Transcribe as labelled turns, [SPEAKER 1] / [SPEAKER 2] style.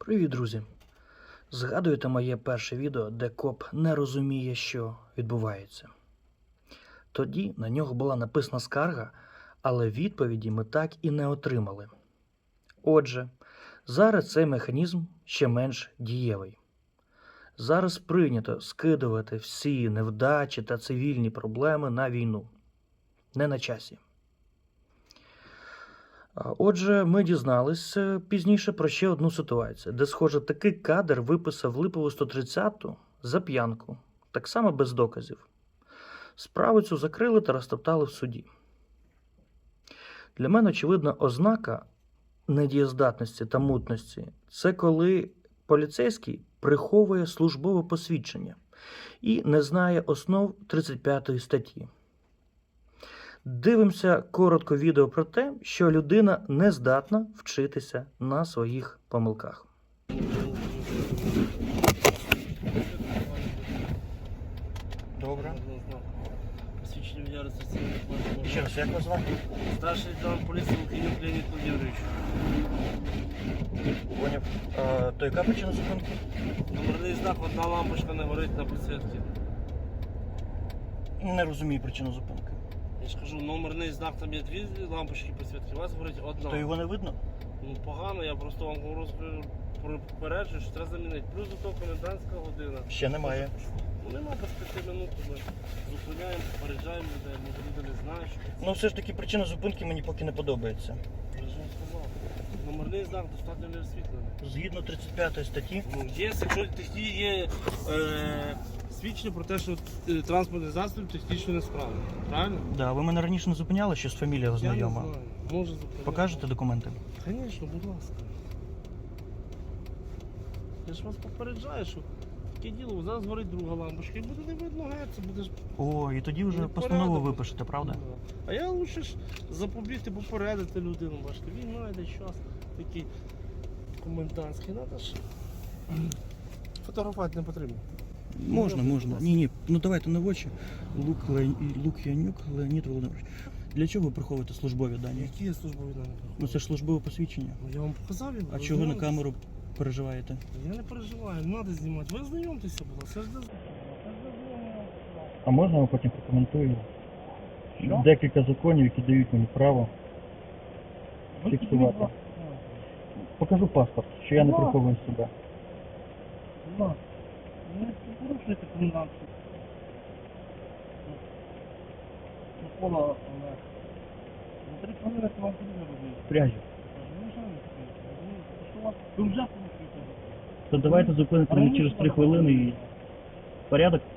[SPEAKER 1] Привіт, друзі! Згадуєте моє перше відео, де коп не розуміє, що відбувається? Тоді на нього була написана скарга, але відповіді ми так і не отримали. Отже, зараз цей механізм ще менш дієвий. Зараз прийнято скидувати всі невдачі та цивільні проблеми на війну. Не на часі. Отже, ми дізналися пізніше про ще одну ситуацію, де, схоже, такий кадр виписав Липову 130-ту за п'янку, так само без доказів. Справу цю закрили та розтоптали в суді. Для мене очевидна ознака недієздатності та мутності – це коли поліцейський приховує службове посвідчення і не знає основ 35 статті. Дивимося коротко відео про те, що людина не здатна вчитися на своїх помилках. Добре.
[SPEAKER 2] Посвідчення водія реєстраційного документу.
[SPEAKER 1] Ще раз, як вас звати?
[SPEAKER 2] Старший лейтенант поліції Лук'янюк Леонід Володимирович.
[SPEAKER 1] Поняв. То яка причина зупинки?
[SPEAKER 2] Номерний знак, одна лампочка не горить на підсвітці.
[SPEAKER 1] Не розумію причину зупинки.
[SPEAKER 2] Я ж кажу, номерний знак, там є дві лампочки підсвітки, у вас горить одна.
[SPEAKER 1] То його не видно?
[SPEAKER 2] Ну погано, я просто вам попереджую, що треба замінити. Плюс до того комендантська година.
[SPEAKER 1] Ще немає.
[SPEAKER 2] Ну нема без 5 минут, ми зупиняємо, попереджаємо людей, може люди не знають, що це.
[SPEAKER 1] Ну все ж таки причина зупинки мені поки не подобається.
[SPEAKER 2] Я ж вам сказав. Номерний знак достатньо не освітлений.
[SPEAKER 1] Згідно 35 статті.
[SPEAKER 2] Ну, є, якщо є свідчення про те, що транспортний засіб технічно несправний. Правильно?
[SPEAKER 1] Да, ви мене раніше не зупиняли, щось фамілія знайома.
[SPEAKER 2] Я не знаю. Може зупиняти.
[SPEAKER 1] Покажете документи?
[SPEAKER 2] Звісно, будь ласка. Я ж вас попереджаю, що таке діло, зараз горить друга лампочка і буде не видно геть, це буде ж...
[SPEAKER 1] О, і тоді вже
[SPEAKER 2] Ну,
[SPEAKER 1] постанову
[SPEAKER 2] порядок.
[SPEAKER 1] випишете, правда?
[SPEAKER 2] А я лучше ж запобігти, попередити людину, бачите, війна йде час такий комендантський, треба ж фотографувати не потрібно.
[SPEAKER 1] Можна, можна. Ні, ну давайте на очі. Лук'янюк Леонід Володимирович. Для чого ви приховуєте службові дані?
[SPEAKER 2] Які є службові дані?
[SPEAKER 1] Ну це ж службове посвідчення.
[SPEAKER 2] Ну, я вам показав його.
[SPEAKER 1] А
[SPEAKER 2] ви
[SPEAKER 1] чого ви на
[SPEAKER 2] знайомитесь?
[SPEAKER 1] камеру переживаєте?
[SPEAKER 2] Я не переживаю, не треба знімати. Ви знайомтеся, будь ласка. Це ж для...
[SPEAKER 1] А можна я потім прокоментую?
[SPEAKER 2] Що?
[SPEAKER 1] Декілька законів, які дають мені право фіксувати. Покажу паспорт, що я не приховую себе.
[SPEAKER 2] Не порушуйте комендантську. Микола, за 3 хвилини вам потрібно робити.
[SPEAKER 1] Пряжі.
[SPEAKER 2] Ви вже порушуєте.
[SPEAKER 1] То давайте зупините мене через 3 хвилини і порядок.